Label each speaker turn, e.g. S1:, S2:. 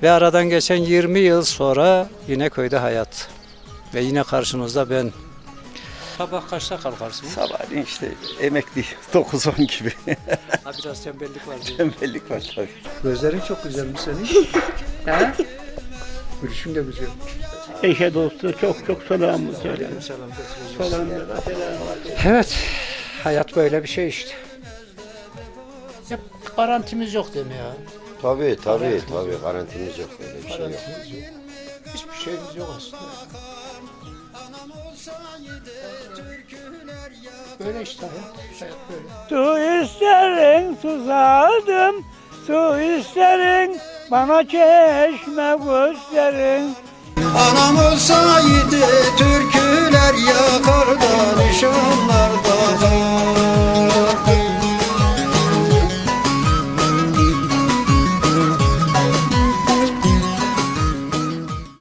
S1: Ve aradan geçen 20 yıl sonra yine köyde hayat. Ve yine karşınızda ben. Sabah kaçta kalkarsın?
S2: Sabahleyin işte emekli 9-10 gibi.
S1: Ha, biraz tembellik var diye.
S2: Tembellik var tabii.
S1: Gözlerin çok güzelmiş senin. He? Gülüşün de güzel.
S3: Eşe dostu çok çok selamı söyle.
S1: Selam. Evet, hayat böyle bir şey işte. Ya, garantimiz yok değil mi ya?
S4: Tabii garantimiz yok, böyle bir şey yok.
S1: Garantimiz yok. Hiçbir şeyimiz yok aslında. Böyle işte hayat. Hayat böyle.
S3: Su isterin susadım, su isterin bana çeşme gösterin.
S5: Anam olsa